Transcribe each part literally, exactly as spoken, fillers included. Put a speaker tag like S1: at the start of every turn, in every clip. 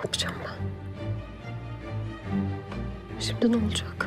S1: yapacağım ben? Şimdi ne olacak?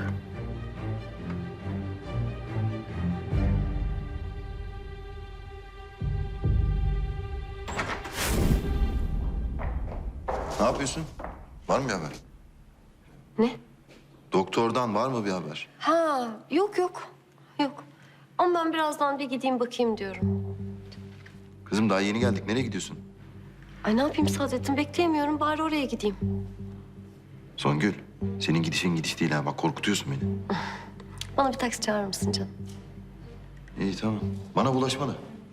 S2: Ne yapıyorsun? Var mı bir haber?
S1: Ne?
S2: Doktordan var mı bir haber?
S1: Ha, yok yok. Yok. Ama ben birazdan bir gideyim bakayım diyorum.
S2: Kızım daha yeni geldik. Nereye gidiyorsun?
S1: Ay ne yapayım Saadettin? Bekleyemiyorum. Bari oraya gideyim.
S2: Songül, senin gidişin gidiş değil ha. Bak korkutuyorsun beni.
S1: Bana bir taksi çağırır mısın canım?
S2: İyi tamam. Bana bulaşma da.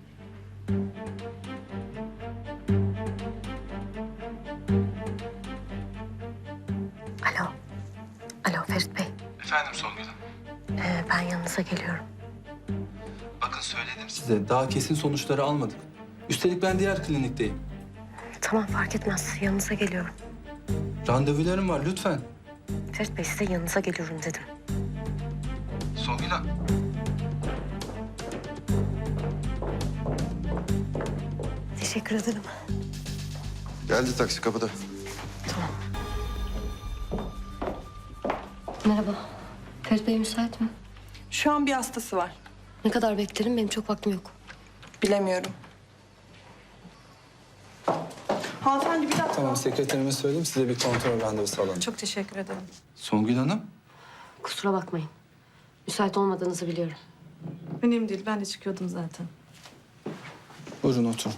S1: Alo. Alo Ferit Bey.
S3: Efendim Songül Hanım.
S1: Ee, ben yanınıza geliyorum.
S3: Bakın söyledim size. Daha kesin sonuçları almadık. Üstelik ben diğer klinikteyim.
S1: Tamam fark etmez. Yanınıza geliyorum.
S3: Randevularım var lütfen.
S1: Ferit Bey size yanınıza geliyorum dedim.
S3: Songül Hanım.
S1: Teşekkür ederim.
S2: Geldi taksi kapıda.
S1: Tamam. Merhaba. Ferit Bey müsait mi?
S4: Şu an bir hastası var.
S1: Ne kadar beklerim? Benim çok vaktim yok.
S4: Bilemiyorum. Hanımefendi bir dakika.
S3: Tamam sekreterime söyleyeyim size bir kontrol randevusu alalım.
S4: Çok teşekkür ederim.
S3: Songül Hanım.
S1: Kusura bakmayın. Müsait olmadığınızı biliyorum.
S4: Önemli değil. Ben de çıkıyordum zaten.
S3: Buyurun oturun.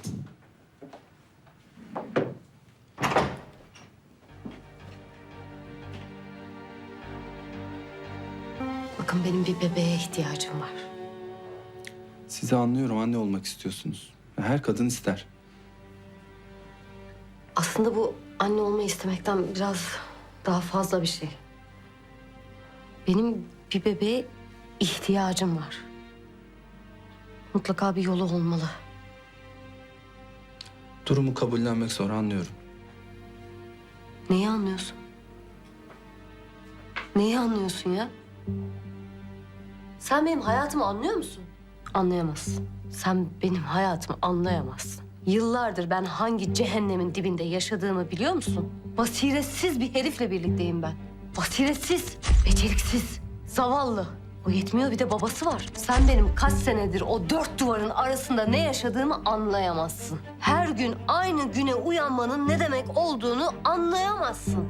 S1: Bakın benim bir bebeğe ihtiyacım var.
S3: Sizi anlıyorum anne olmak istiyorsunuz. Her kadın ister.
S1: Aslında bu anne olmayı istemekten biraz daha fazla bir şey. Benim bir bebeğe ihtiyacım var. Mutlaka bir yolu olmalı.
S3: Durumu kabullenmek zor anlıyorum.
S1: Neyi anlıyorsun? Neyi anlıyorsun ya? Sen benim hayatımı anlıyor musun? Anlayamazsın. Sen benim hayatımı anlayamazsın. Yıllardır ben hangi cehennemin dibinde yaşadığımı biliyor musun? Basiretsiz bir herifle birlikteyim ben. Basiretsiz, beceriksiz, zavallı. O yetmiyor bir de babası var. Sen benim kaç senedir o dört duvarın arasında ne yaşadığımı anlayamazsın. Her gün aynı güne uyanmanın ne demek olduğunu anlayamazsın.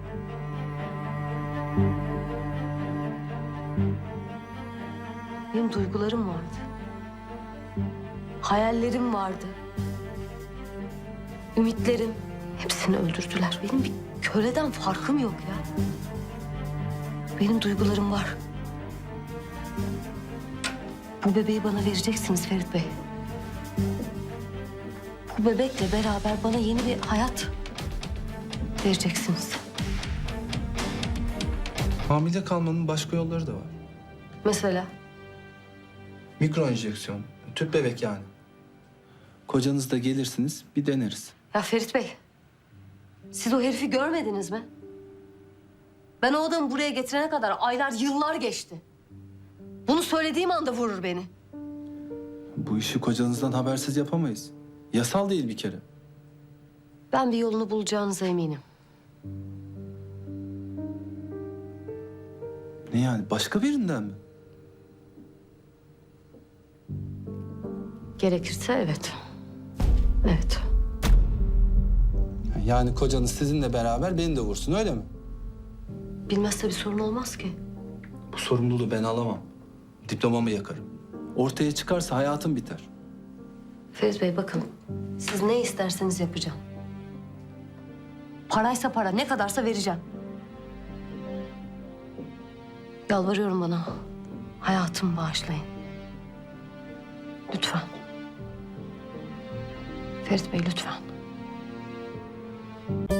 S1: Benim duygularım vardı. Hayallerim vardı. Ümitlerim. Hepsini öldürdüler. Benim bir köleden farkım yok ya. Benim duygularım var. Bu bebeği bana vereceksiniz Ferit Bey. Bu bebekle beraber bana yeni bir hayat vereceksiniz.
S3: Hamile kalmanın başka yolları da var.
S1: Mesela
S3: Mikro enjeksiyon, tüp bebek yani. Kocanız da gelirsiniz bir deneriz.
S1: ya Ferit Bey, siz o herifi görmediniz mi? Ben o adamı buraya getirene kadar aylar, yıllar geçti. Bunu söylediğim anda vurur beni.
S3: Bu işi kocanızdan habersiz yapamayız. Yasal değil bir kere.
S1: Ben bir yolunu bulacağınıza eminim.
S3: Ne yani başka birinden mi?
S1: Gerekirse evet. Evet.
S3: Yani kocanız sizinle beraber beni de vursun öyle mi?
S1: Bilmezse bir sorun olmaz ki.
S3: Bu sorumluluğu ben alamam. Diplomamı yakarım. Ortaya çıkarsa hayatım biter.
S1: Ferit Bey bakın, siz ne isterseniz yapacağım. Paraysa para, ne kadarsa vereceğim. Yalvarıyorum bana. Hayatımı bağışlayın. Lütfen. Ferit Bey lütfen.